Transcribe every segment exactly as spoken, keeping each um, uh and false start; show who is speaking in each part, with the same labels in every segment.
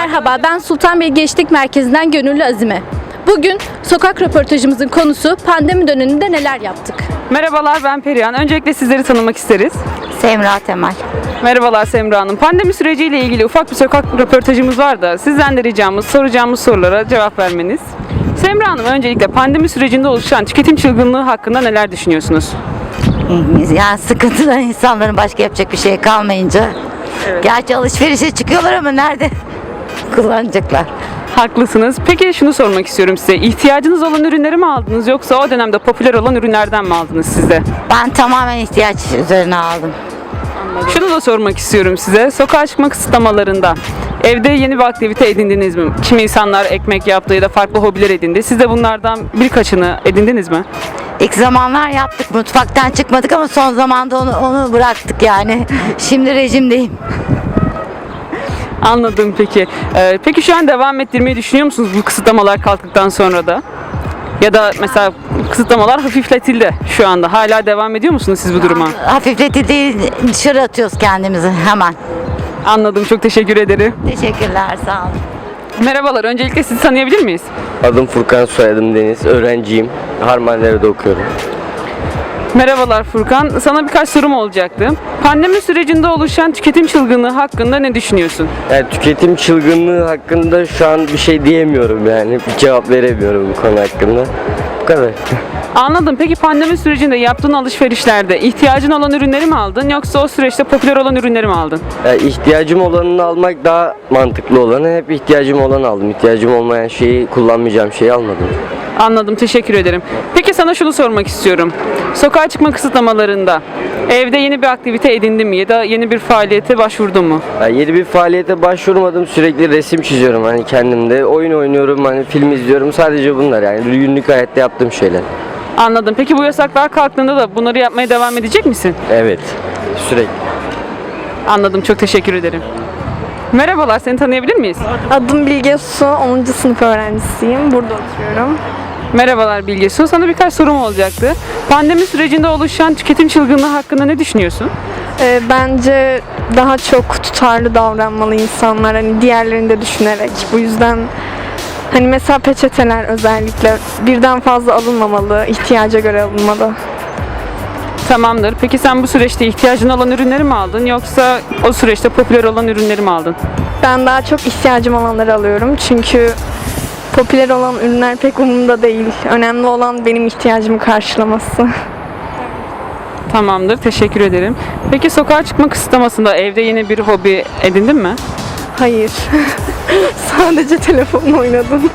Speaker 1: Merhaba, ben Sultanbeyli Gençlik Merkezi'nden Gönüllü Azime. Bugün sokak röportajımızın konusu pandemi döneminde neler yaptık?
Speaker 2: Merhabalar, ben Perihan. Öncelikle sizleri tanımak isteriz.
Speaker 3: Semra Temel.
Speaker 2: Merhabalar Semra Hanım. Pandemi süreciyle ilgili ufak bir sokak röportajımız var da sizden de ricamız soracağımız sorulara cevap vermeniz. Semra Hanım, öncelikle pandemi sürecinde oluşan tüketim çılgınlığı hakkında neler düşünüyorsunuz?
Speaker 3: Yani sıkıntıdan insanların başka yapacak bir şey kalmayınca.
Speaker 2: Evet.
Speaker 3: Gerçi alışverişe çıkıyorlar ama nerede kullanacaklar?
Speaker 2: Haklısınız. Peki şunu sormak istiyorum size. İhtiyacınız olan ürünleri mi aldınız yoksa o dönemde popüler olan ürünlerden mi aldınız siz de?
Speaker 3: Ben tamamen ihtiyaç üzerine aldım.
Speaker 2: Şunu da sormak istiyorum size. Sokağa çıkma kısıtlamalarında evde yeni bir aktivite edindiniz mi? Kimi insanlar ekmek yaptı ya da farklı hobiler edindi. Siz de bunlardan birkaçını edindiniz mi?
Speaker 3: İlk zamanlar yaptık, mutfaktan çıkmadık ama son zamanda onu, onu bıraktık yani. Şimdi rejimdeyim.
Speaker 2: Anladım peki. Ee, peki şu an devam ettirmeyi düşünüyor musunuz bu kısıtlamalar kalktıktan sonra da? Ya da mesela kısıtlamalar hafifletildi şu anda. Hala devam ediyor musunuz siz bu duruma?
Speaker 3: Hafifletildi, dışarı atıyoruz kendimizi hemen.
Speaker 2: Anladım. Çok teşekkür ederim.
Speaker 3: Teşekkürler, sağ olun.
Speaker 2: Merhabalar. Öncelikle sizi tanıyabilir miyiz?
Speaker 4: Adım Furkan, soyadım Deniz. Öğrenciyim. Harmandere'de okuyorum.
Speaker 2: Merhabalar Furkan. Sana birkaç sorum olacaktı. Pandemi sürecinde oluşan tüketim çılgınlığı hakkında ne düşünüyorsun?
Speaker 4: Yani tüketim çılgınlığı hakkında şu an bir şey diyemiyorum yani. Bir cevap veremiyorum bu konu hakkında. Bu kadar.
Speaker 2: Anladım. Peki pandemi sürecinde yaptığın alışverişlerde ihtiyacın olan ürünleri mi aldın yoksa o süreçte popüler olan ürünleri mi aldın?
Speaker 4: Yani ihtiyacım olanını almak daha mantıklı olanı. Hep ihtiyacım olanı aldım. İhtiyacım olmayan şeyi, kullanmayacağım şeyi almadım.
Speaker 2: Anladım. Teşekkür ederim. Peki sana şunu sormak istiyorum. Sokağa çıkma kısıtlamalarında evde yeni bir aktivite edindin mi ya da yeni bir faaliyete başvurdun mu?
Speaker 4: Yani yeni bir faaliyete başvurmadım. Sürekli resim çiziyorum hani kendimde. Oyun oynuyorum, hani film izliyorum. Sadece bunlar yani günlük hayatta yaptığım şeyler.
Speaker 2: Anladım. Peki bu yasaklar kalktığında da bunları yapmaya devam edecek misin?
Speaker 4: Evet. Sürekli.
Speaker 2: Anladım. Çok teşekkür ederim. Merhabalar. Seni tanıyabilir miyiz?
Speaker 5: Adım Bilge Su, onuncu sınıf öğrencisiyim. Burada oturuyorum.
Speaker 2: Merhabalar Bilge Su. Sana birkaç sorum olacaktı. Pandemi sürecinde oluşan tüketim çılgınlığı hakkında ne düşünüyorsun?
Speaker 5: Ee, bence daha çok tutarlı davranmalı insanlar, hani diğerlerini de düşünerek. Bu yüzden hani mesela peçeteler özellikle birden fazla alınmamalı, ihtiyaca göre alınmalı.
Speaker 2: Tamamdır. Peki sen bu süreçte ihtiyacın olan ürünleri mi aldın yoksa o süreçte popüler olan ürünleri mi aldın?
Speaker 5: Ben daha çok ihtiyacım olanları alıyorum çünkü popüler olan ürünler pek umurumda değil. Önemli olan benim ihtiyacımı karşılaması.
Speaker 2: Tamamdır. Teşekkür ederim. Peki sokağa çıkma kısıtlamasında evde yeni bir hobi edindin mi?
Speaker 5: Hayır. Sadece telefonla oynadım.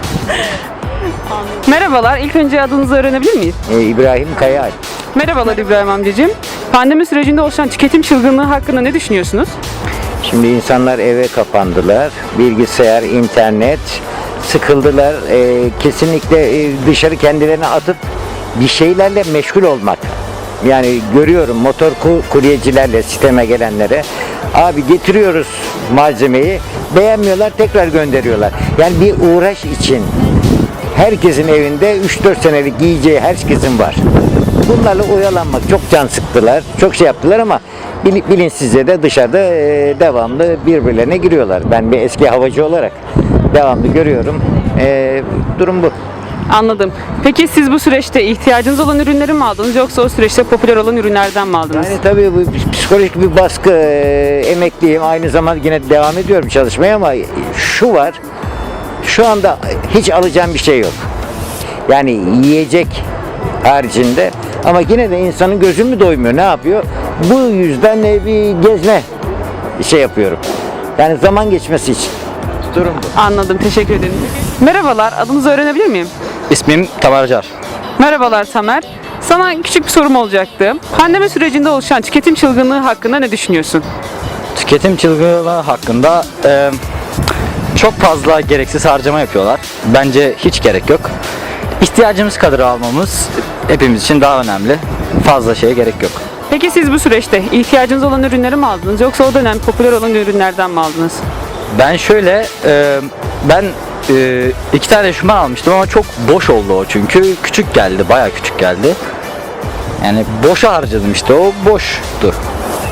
Speaker 2: Merhabalar. İlk önce adınızı öğrenebilir miyiz?
Speaker 6: Ee, İbrahim Kayaalp.
Speaker 2: Merhabalar İbrahim amcacığım. Pandemi sürecinde oluşan tüketim çılgınlığı hakkında ne düşünüyorsunuz?
Speaker 6: Şimdi insanlar eve kapandılar. Bilgisayar, internet, sıkıldılar. Ee, kesinlikle e, dışarı kendilerini atıp bir şeylerle meşgul olmak. Yani görüyorum motor ku- kuryecilerle siteme gelenlere. Abi getiriyoruz malzemeyi, beğenmiyorlar, tekrar gönderiyorlar. Yani bir uğraş için herkesin evinde üç dört senelik giyeceği herkesin var. Bunlarla oyalanmak çok can sıktılar, çok şey yaptılar ama bil- bilinçsizce de dışarıda e, devamlı birbirlerine giriyorlar. Ben bir eski havacı olarak devamlı görüyorum. E, durum bu.
Speaker 2: Anladım. Peki siz bu süreçte ihtiyacınız olan ürünleri mi aldınız yoksa o süreçte popüler olan ürünlerden mi aldınız?
Speaker 6: Yani tabii bu psikolojik bir baskı, e, emekliyim. Aynı zamanda yine devam ediyorum çalışmaya ama şu var, şu anda hiç alacağım bir şey yok. Yani yiyecek haricinde ama yine de insanın gözü mü doymuyor, ne yapıyor? Bu yüzden e, bir gezme şey yapıyorum. Yani zaman geçmesi için. Durum bu.
Speaker 2: Anladım. Teşekkür ederim. Merhabalar. Adınızı öğrenebilir miyim?
Speaker 7: İsmim Tamer Car.
Speaker 2: Merhabalar Tamer. Sana küçük bir sorum olacaktı. Pandemi sürecinde oluşan tüketim çılgınlığı hakkında ne düşünüyorsun?
Speaker 7: Tüketim çılgınlığı hakkında e, çok fazla gereksiz harcama yapıyorlar. Bence hiç gerek yok. İhtiyacımız kadar almamız hepimiz için daha önemli. Fazla şeye gerek yok.
Speaker 2: Peki siz bu süreçte ihtiyacınız olan ürünleri mi aldınız yoksa o dönem popüler olan ürünlerden mi aldınız?
Speaker 7: Ben şöyle, e, ben e, iki tane eşofman almıştım ama çok boş oldu o çünkü. Küçük geldi, bayağı küçük geldi. Yani boşa harcadım işte, o boştu.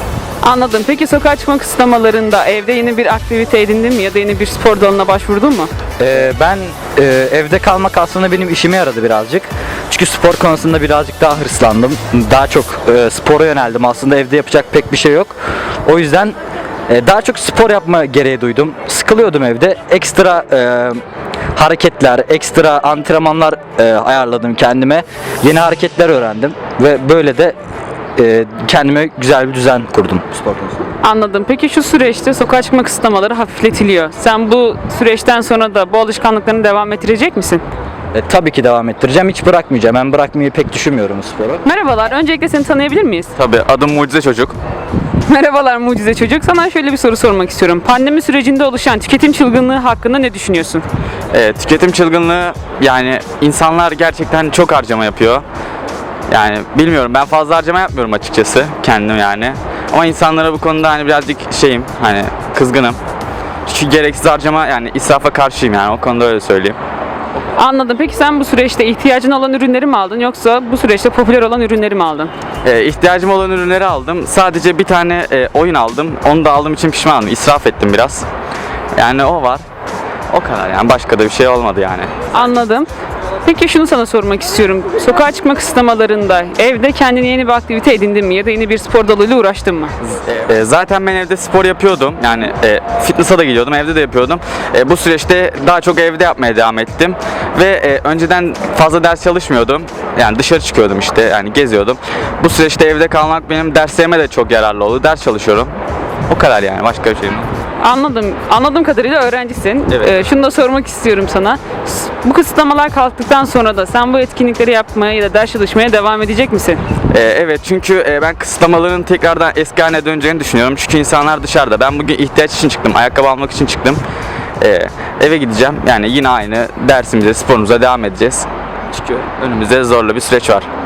Speaker 2: Anladım. Peki sokağa çıkma kısıtlamalarında evde yeni bir aktivite edindin mi ya da yeni bir spor dalına başvurdun mu?
Speaker 7: Ee, ben e, evde kalmak aslında benim işime yaradı birazcık. Çünkü spor konusunda birazcık daha hırslandım. Daha çok e, spora yöneldim. Aslında evde yapacak pek bir şey yok. O yüzden e, daha çok spor yapma gereği duydum. Sıkılıyordum evde. Ekstra e, hareketler, ekstra antrenmanlar e, ayarladım kendime. Yeni hareketler öğrendim ve böyle de e, kendime güzel bir düzen kurdum spor konusunda.
Speaker 2: Anladım. Peki şu süreçte sokağa çıkma kısıtlamaları hafifletiliyor. Sen bu süreçten sonra da bu alışkanlıklarını devam ettirecek misin?
Speaker 7: E, tabii ki devam ettireceğim. Hiç bırakmayacağım. Ben bırakmayı pek düşünmüyorum sporu.
Speaker 2: Merhabalar. Öncelikle seni tanıyabilir miyiz?
Speaker 8: Tabii adım Mucize Çocuk.
Speaker 2: Merhabalar Mucize Çocuk. Sana şöyle bir soru sormak istiyorum. Pandemi sürecinde oluşan tüketim çılgınlığı hakkında ne düşünüyorsun?
Speaker 8: Ee, tüketim çılgınlığı yani insanlar gerçekten çok harcama yapıyor. Yani bilmiyorum ben fazla harcama yapmıyorum açıkçası kendim yani. Ama insanlara bu konuda hani birazcık şeyim hani kızgınım. Çünkü gereksiz harcama yani israfa karşıyım yani o konuda öyle söyleyeyim.
Speaker 2: Anladım. Peki sen bu süreçte ihtiyacın olan ürünleri mi aldın yoksa bu süreçte popüler olan ürünleri mi aldın?
Speaker 8: Ee, ihtiyacım olan ürünleri aldım. Sadece bir tane e, oyun aldım. Onu da aldığım için pişmanım. İsraf ettim biraz. Yani o var. O kadar yani başka da bir şey olmadı yani.
Speaker 2: Anladım. Peki şunu sana sormak istiyorum. Sokağa çıkma kısıtlamalarında evde kendine yeni bir aktivite edindin mi ya da yeni bir spor dalıyla uğraştın mı?
Speaker 8: E, zaten ben evde spor yapıyordum. Yani e, fitness'a da gidiyordum, evde de yapıyordum. E, bu süreçte daha çok evde yapmaya devam ettim. Ve e, önceden fazla ders çalışmıyordum. Yani dışarı çıkıyordum işte, yani geziyordum. Bu süreçte evde kalmak benim derslerime de çok yararlı oldu. Ders çalışıyorum. O kadar yani, başka bir şey mi?
Speaker 2: Anladım. Anladığım kadarıyla öğrencisin.
Speaker 8: Evet.
Speaker 2: Ee, şunu da sormak istiyorum sana. S- Bu kısıtlamalar kalktıktan sonra da sen bu etkinlikleri yapmaya ya da ders çalışmaya devam edecek misin?
Speaker 8: E, evet çünkü e, ben kısıtlamaların tekrardan eski haline döneceğini düşünüyorum. Çünkü insanlar dışarıda. Ben bugün ihtiyaç için çıktım, ayakkabı almak için çıktım. E, eve gideceğim. Yani yine aynı dersimize, sporumuza devam edeceğiz. Çünkü önümüzde zorlu bir süreç var.